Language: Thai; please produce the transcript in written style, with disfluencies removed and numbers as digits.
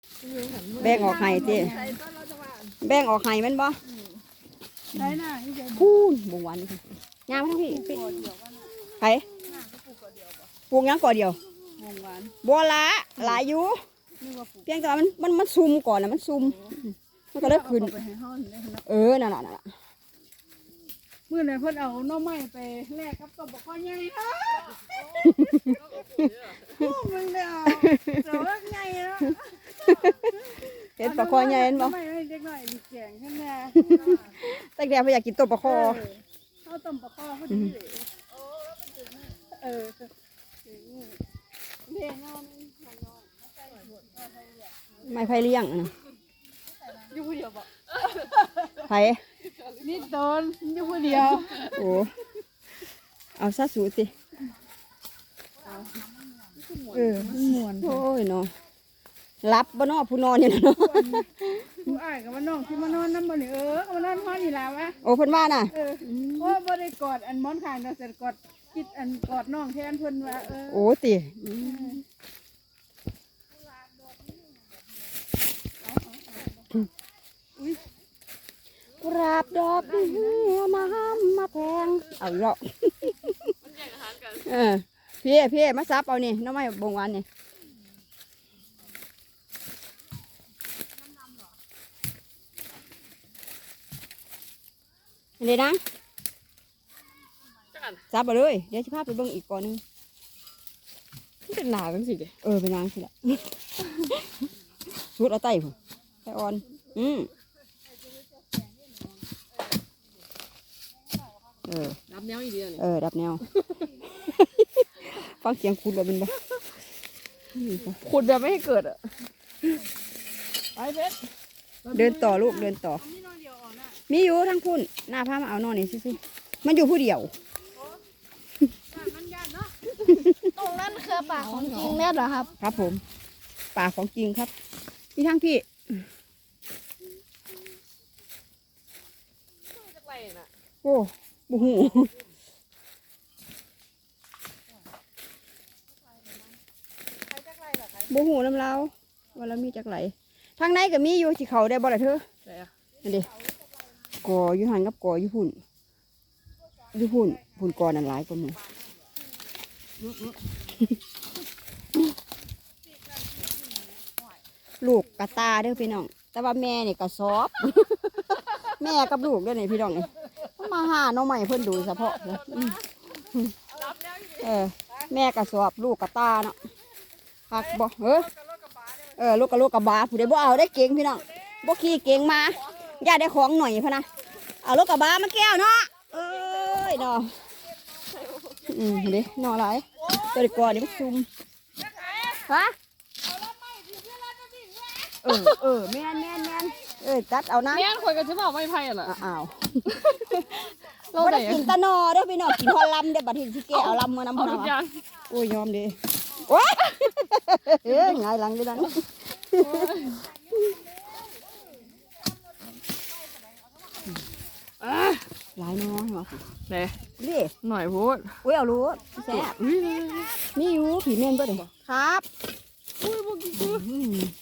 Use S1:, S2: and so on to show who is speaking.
S1: แบ่งออกให้เจ้แบ่งออกให้มันบ่
S2: ได้น่ะที่ใจ
S1: พูนบ่หวานย่างมาทั้งพี่ไปปลูกยังก่อเดียว
S2: วงหวาน
S1: บัวละหลายอยู่
S2: นี่ว่าปลูก
S1: เพียงแต่ว่ามันซุ่มก่อนนะมันซุ่มมันก็เลยขึ้น
S2: ไปให้ห้องนี่นะ
S1: นั่นน่ะ
S2: เมื่อไหร่เพิ่นเอาหน่อไม้ไปแลกกับต้นบกข้อใหญ่นะมึงเด้อเจ้าใหญ่แล้ว
S1: เห็นปลาคอใหญ่เห็นบ่
S2: ไม่ให้เด็กหน่อยมีแกงขึ้นมา
S1: ตั้งแต่พอยากกินต้มปลาคอ
S2: เอาต้มปลาคอพอดีเออเลี้ยงนอน
S1: ไม่ไผเลี้ยงนะ
S2: อยู่ผู้เดียวบ่
S1: ไผ
S2: นี่โดนอยู่ผู้เดียว
S1: โอ้เอาซะสูสิ
S2: หมวน
S1: โอ้ยเนาะรับบ่เนาะผู้นอนอยู่เนาะ
S2: ผู้อ้ายกับว่าน้องที่มานอนน้ำบ่นี่ก็มานอนห้องนี่ล่ะวะ
S1: โอ้เพิ่นว่าน่ะ
S2: โอ้บ่ได้กอดอันหมอนข้างเนาะแต่กอดคิดอันกอดน้องแทนเพิ่นว่า
S1: โอ้ติกราบดอกมาห้ามมาแพงเอาอีกแล้วพี่มาซับเอานี่น้องไม้บงหวานนี่เดี๋ยวนะซับไปเลยเดี๋ยวจะพาไปเบิ่งอีกก่อนนึง
S2: เป็นหนาจังสิเด้
S1: เป็นนางสิละชุดเอาไต้ผมไต้อ่อน
S2: รับแนวอีเดียวนี่
S1: ดับแนว ฟังเสียงคุณแบบเป็นบ่
S2: ขุดแบบไม่ให้เกิดอ่ะไปเพชร
S1: เดินต่อลูกเดินต่อมีอยู่ทั้งพุ่นหน้าพามาเอานอนนี่สิมันอยู่ผู้เดียว
S3: ตรงนั้นคือป่าของจริงแน่เหรอครับ
S1: ครับผมป่าของจริงครับมีทั้งพี่โอ้บูหูบูหูน้ำเล้าว่าเรามีจักไหลทางในก็มีอยู่ที่เขาได้บ่ล่ะเธอนั่นดิก่ออยู่หันกับก่ออยู่พุ่นก่อนั่นหลายกว่าหมู่ลูกกระตาเด้อพี่น้องแต่ว่าแม่นี่กระสอบ แม่กับลูกเด้อนี่พี่น้องนี่มาหาน้องใหม่เพิ่นดูเฉพาะเลยแม่กระสอบลูกกระตาเนาะหักบ่ลูกกระบะผู้ใดบ่เอาได้เก่งพี่น้องบ่ขี่เก่งมาย่าได้ของหน่อยพะนะเอาลูกกระบะมาแก้วเนาะเนาะเด้เนาะหลายตัวก่อนนี่มันซุ่มฮะแม่นจัดเอานะ
S2: แม่นข่อยก็สิบอกไม่ไผล่ะ
S1: อ้าว
S2: เราได้
S1: กินตะนอเด้อพี่น้องกินฮอลลัมเด้อบัดนี้สิแกเอาลำมาน้ำพนักโอ้ยยอมดิโอ้ยไงหลังดิดันหลายน้อยมา
S2: เด้
S1: ดิ
S2: หน่อยพูด
S1: อุ้ยเอารู้แซ่บมีอยู่ผีเม่นบ่เด้ครับ
S2: อุ้ยบ่กิน